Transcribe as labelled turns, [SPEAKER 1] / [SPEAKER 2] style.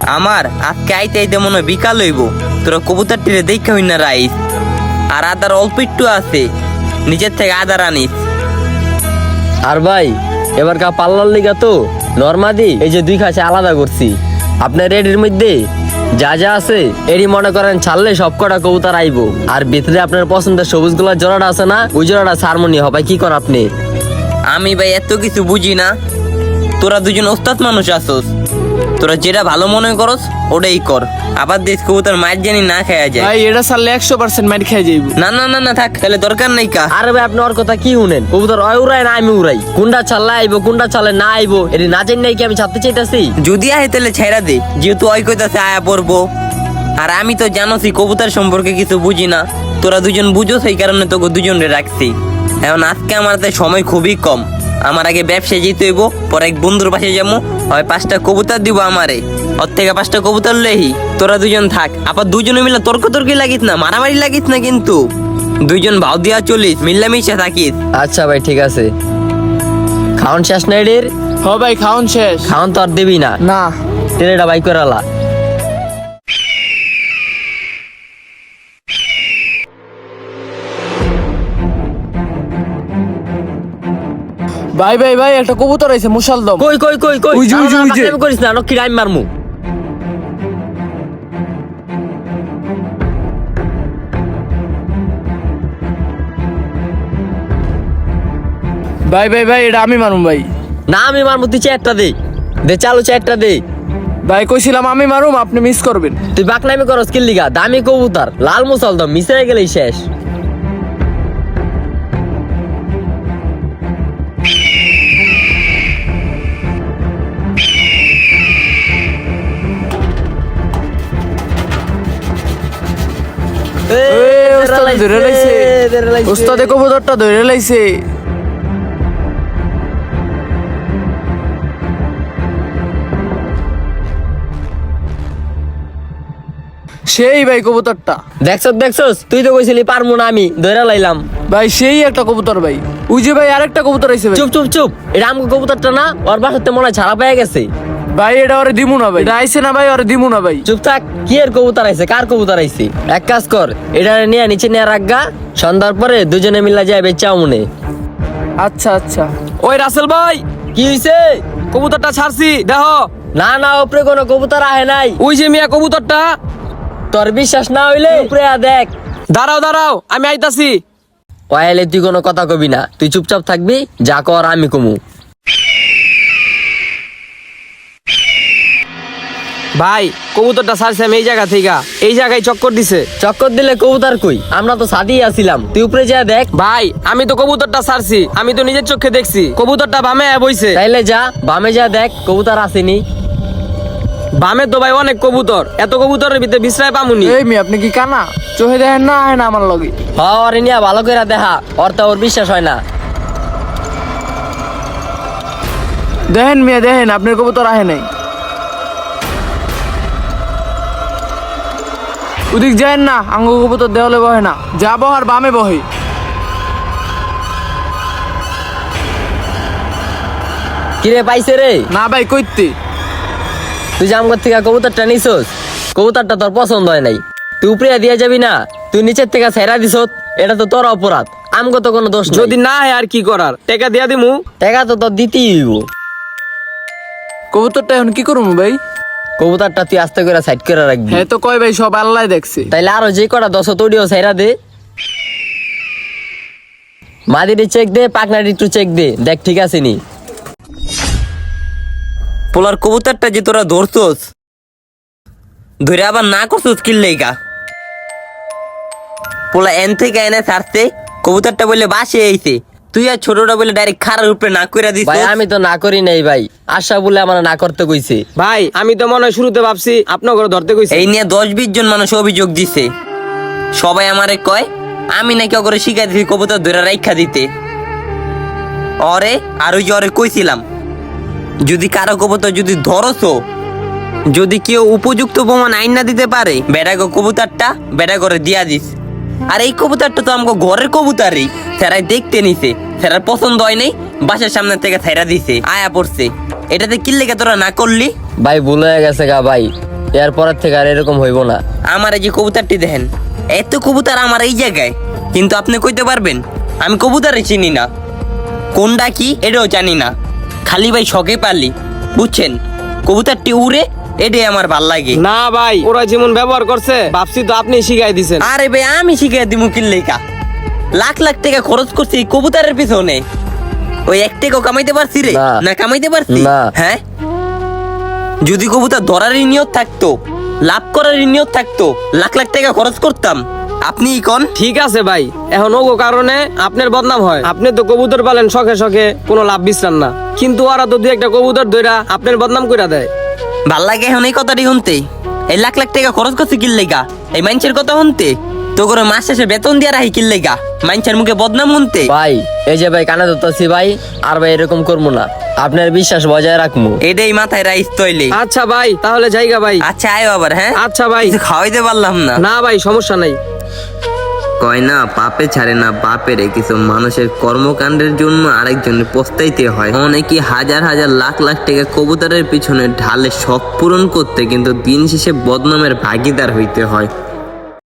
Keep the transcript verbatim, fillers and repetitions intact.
[SPEAKER 1] আমার আজকে আইতে আইতে মনে হয় বিকাল হইব। তোরা কবুতরটিরে দেখা হই না রাইস। আর আদার অল্প একটু আছে, নিচের থেকে আদার আনিস।
[SPEAKER 2] আর ভাই এবার কা পাল্লার লিগা তো নরমাদি এই যে দুই খাঁচা আলাদা করছি। আপনার রেডির মধ্যে যা যা আছে এরই মনে করেন ছাড়লে সব কটা কবুতর আইবো। আর ভিতরে আপনার পছন্দের সবুজ গুলার জোড়াটা আছে না, ওই জোড়াটা সারমনি হবে। কি কর আপনি?
[SPEAKER 1] আমি ভাই এত কিছু বুঝি না। তোরা দুজন ওস্তাদ মানুষ আসোস, তোরা যেটা ভালো মনে করস ওটাই কর। আবার দেশ কবুতর মার জানি না খাওয়া যায়।
[SPEAKER 3] ভাই এটা সারলে একশো পার্সেন্ট মার খেয়ে যাইব।
[SPEAKER 1] না না না না থাক, তাহলে দরকার নাই কা।
[SPEAKER 2] আরে ভাই আপনি ওর কথা কি শুনেন? কবুতর অয় উড়াই না আমি উড়াই। কোনটা ছাড়লে আইবো কোনটা ছাড়লে না আইবো এটি না জানি নাই কি আমি ছাড়তে চাইতাছি?
[SPEAKER 1] যদি আহে তাহলে ছেড়া দে, যেহেতু ওই কইতাছে আয়া পড়বো। আর আমি তো জানোসই কবুতর সম্পর্কে কিছু বুঝি না। তোরা দুজন বুঝো, সেই কারণে তোকে দুজনে রাখছি। এখন আজকে আমার হাতে সময় খুবই কম। আমার আগে ব্যবসায় যেতে হইব, পরে এক বন্ধুর পাশে যাবো, হয় পাঁচটা কবুতর দিব আমারে, ওর থেকে পাঁচটা কবুতর লেহি। তোরা দুজন থাক, আবার দুজনে মিলে তর্ক তর্কি লাগিস না, মারামারি লাগিস না কিন্তু। দুইজন ভাও দিয়া চলিস, মিল্লামিশা থাকিস।
[SPEAKER 2] আচ্ছা ভাই ঠিক আছে। খাওন শেষ না এটির?
[SPEAKER 3] হ ভাই খাওন শেষ।
[SPEAKER 2] খাওন তো আর দিবি না?
[SPEAKER 3] না
[SPEAKER 2] তেলেটা বাই করে আলা।
[SPEAKER 3] ভাই ভাই ভাই একটা কবুতর আইছে মুশালদম।
[SPEAKER 2] কই কই কই কই
[SPEAKER 3] ওই যে, ওই যে, ওই যে।
[SPEAKER 2] আমি করিস না, নকি রাইম মারমু।
[SPEAKER 3] ভাই ভাই ভাই এটা আমি মারুম ভাই।
[SPEAKER 2] না আমি মারমু, তুই চারটা দে দে, চালু চারটা দে।
[SPEAKER 3] ভাই কইছিলাম আমি মারুম, আপনি মিস করবেন।
[SPEAKER 2] তুই বাকনামি করস কি লিগা? দামি কবুতর লাল মুসলদম মিস হয়ে গেলেই শেষ।
[SPEAKER 3] এ, ওস্তাদ ধরে লাইছে। ওস্তাদে কবুতরটা ধরে লাইছে। সেই ভাই কবুতরটা।
[SPEAKER 2] দেখছস দেখছস, তুই তো কইছিলি পারমু না, আমি ধরে লাইলাম।
[SPEAKER 3] ভাই সেই একটা কবুতর ভাই। ওই যে ভাই আরেকটা কবুতর আইছে ভাই।
[SPEAKER 2] চুপ চুপ চুপ, এটা আমগো কবুতরটা না? ওর বাসাতে মনে হয় ছাড়া পেয়ে গেছে।
[SPEAKER 3] ভাই এটা ওরে দিমু না ভাই। এটা আইছে না ভাই, ওরে দিমু না ভাই।
[SPEAKER 2] চুপ থাক। কি এর কবুতর আইছে? কার কবুতর আইছে? এক কাজ কর, এটা নিয়ে নিচে নিয়ে রাখগা, সন্ধ্যার পরে দুজনে মিলা যায় বেচাও মনে।
[SPEAKER 3] আচ্ছা আচ্ছা।
[SPEAKER 4] ওই রাসেল ভাই,
[SPEAKER 2] কি হইছে?
[SPEAKER 4] কবুতরটা ছাড়ছি দেখো।
[SPEAKER 2] না না, উপরে কোনো কবুতর আহে নাই।
[SPEAKER 4] ওই যে মিয়া কবুতরটা।
[SPEAKER 2] তোর বিশ্বাস না হইলে উপরে আ দেখ।
[SPEAKER 4] দাঁড়াও দাঁড়াও, আমি আইতাছি।
[SPEAKER 2] ওয়াইলে তুই কোনো কথা কবি না, তুই চুপচাপ থাকবি, যা কর আমি কমু।
[SPEAKER 4] ভাই কবুতরটা ছাড়ছি আমি এই জায়গা থেকে, এই জায়গায় চক্কর দিছে।
[SPEAKER 2] চক্কর দিলে কবুতর কই? আমরা তো সাদিয়ে আসিলাম, তুই উপরে যা দেখ।
[SPEAKER 4] ভাই আমি তো কবুতরটা ছাড়ছি, আমি তো নিজের চোখে দেখছি কবুতরটা বামে আয়া বইছে।
[SPEAKER 2] তাইলে যা বামে যা দেখ, কবুতর আসেনি।
[SPEAKER 4] বামে তো ভাই অনেক কবুতর, এত কবুতরের ভিতরে বিশ্রায় পামুনি।
[SPEAKER 3] এই মি আপনি কি কানা? চোখে দেখেন না আহে না আমার লগে?
[SPEAKER 2] হ ওরে নিয়া ভালো করে দেখা, ওর তো ওর বিশ্বাস হয় না।
[SPEAKER 3] দেখেন মিয়া দেখেন, আপনার কবুতর আহে নাই। ওদিক যায় না, আঙ্গ কবুতর দেওয়ালে বহে না। যা বহার বামে বহে।
[SPEAKER 2] কিরে পাইছে রে?
[SPEAKER 3] না ভাই কইতে।
[SPEAKER 2] তুই যে আমগর থেকে কবুতরটা নিছস, কবুতরটা তোর পছন্দ হয় নাই, তুই উপরে দিয়ে যাবি না? তুই নিচের থেকে ছেড়া দিছ, এটা তো তোর অপরাধ, আমগো তো কোনো দোষ নাই।
[SPEAKER 4] যদি না হয় আর কি করার, টাকা দিয়া দিমু।
[SPEAKER 2] টাকা তো তোর দিতেই হইব।
[SPEAKER 3] কবুতরটা এখন কি করবো ভাই?
[SPEAKER 2] কবুতরটা তুই আস্তে করে সাইড করে রাখবি।
[SPEAKER 3] হ্যাঁ তো কয় ভাই, সব আল্লাহ দেখছে।
[SPEAKER 2] তাইলে আরো যে কটা দশ তৈরিও ছেড়া দে। মাদিটি চেক দে, পাকনাটি একটু চেক দে, দেখ ঠিক আছে নি।
[SPEAKER 1] পোলার কবুতরটা যে তোরা ধরছোস, ধরে আবার না করছোস কি লেগা? পোলা এন থেকে এনে ছাড়ছে, কবুতরটা বলে বাসে আইছে, তুই আর ছোটটা বলে ডাইরেক্ট খারার উপরে না কইরা দিস।
[SPEAKER 2] ভাই আমি তো না করি নাই ভাই, আশা বলে আমার না করতে কইছে।
[SPEAKER 4] ভাই আমি তো মনে হয় শুরুতে ভাবছি আপনার ঘরে ধরতে কইছে।
[SPEAKER 1] এই নিয়ে দশ বিশ জন মানুষ অভিযোগ দিছে, সবাই আমারে কয় আমি নাকি ওরে শিখাই দিছি কবুতর ধরে রাইখা দিতে। অরে আর ওই যে অরে কইছিলাম, যদি কারো কবুতর যদি ধরছো, যদি কেউ উপযুক্ত প্রমাণ আইন না দিতে পারে, বেড়াগো কবুতরটা বেড়া করে দিয়া দিস। আর এই কবুতরটা তো আমাকে ঘরের কবুতরই, সেরাই দেখতে নিছে, সেরার পছন্দ হয় নাই, বাসার সামনে থেকে ছেড়া দিছে, আয়া পড়ছে। এটাতে কি লেগে তোরা না করলি?
[SPEAKER 2] ভাই ভুল হয়ে গেছে গা ভাই, এরপরের থেকে আর এরকম হইব না।
[SPEAKER 1] আমার এই যে কবুতরটি দেখেন, এত কবুতর আমার এই জায়গায়, কিন্তু আপনি কইতে পারবেন আমি কবুতরে চিনি না, কোনটা কি এটাও জানি না, খালি ভাই শখে পারলি বুঝছেন, কবুতরটি উড়ে এটাই আমার ভাল লাগে।
[SPEAKER 4] না ভাই, ওরা যেমন ব্যবহার করছে ভাবছি তো আপনি শিখাই দিছেন।
[SPEAKER 1] আরে ভাই আমি শিখে দিমু কিল্লেকা, লাখ লাখ টাকা খরচ করছি এই কবুতরের পিছনে, ওই এক টাকাও কামাইতে পারছি রে?
[SPEAKER 2] না।
[SPEAKER 1] না কামাইতে পারছি?
[SPEAKER 2] না।
[SPEAKER 1] হ্যাঁ, যদি কবুতর ধরারই নিয়ত থাকতো, লাভ করারই নিয়ত থাকতো, লাখ লাখ টাকা খরচ করতাম। আপনি কোন
[SPEAKER 4] ঠিক আছে ভাই, এখন ওগো কারণে আপনার বদনাম হয়। আপনি তো কবুতর পালেন শখে শখে, কোনো লাভ বিশ্রান না, কিন্তু ওরা তো দুই একটা কবুতর ধইরা আপনার বদনাম কইরা দেয়।
[SPEAKER 1] ভাল লাগে এখন এই কথাটি শুনতে, এই লাখ লাখ টাকা খরচ করছি কিল্লেগা এই মানুষের কথা শুনতে, তো করে মাস শেষে বেতন দিয়ে রাখি কিল্লেগা মানুষের মুখে বদনাম শুনতে।
[SPEAKER 2] ভাই এই যে ভাই কানে ধরতেছি ভাই, আর ভাই এরকম করবো না, আপনার বিশ্বাস বজায় রাখবো।
[SPEAKER 1] এটাই মাথায় রাইস তৈলে।
[SPEAKER 4] আচ্ছা ভাই, তাহলে জায়গা ভাই।
[SPEAKER 1] আচ্ছা আয়ো আবার। হ্যাঁ
[SPEAKER 4] আচ্ছা ভাই।
[SPEAKER 1] কিছু খাওয়াইতে পারলাম না।
[SPEAKER 4] না ভাই, সমস্যা নাই।
[SPEAKER 1] কয় না পাপে ছাড়ে না বাপেরে, কিছু মানুষের কর্মকাণ্ডের জন্য আরেকজনের পস্তাইতে হয়। অনেকে হাজার হাজার লাখ লাখ টাকা কবুতরের পিছনে ঢালে শখ পূরণ করতে, কিন্তু দিন শেষে বদনামের ভাগিদার হইতে হয়।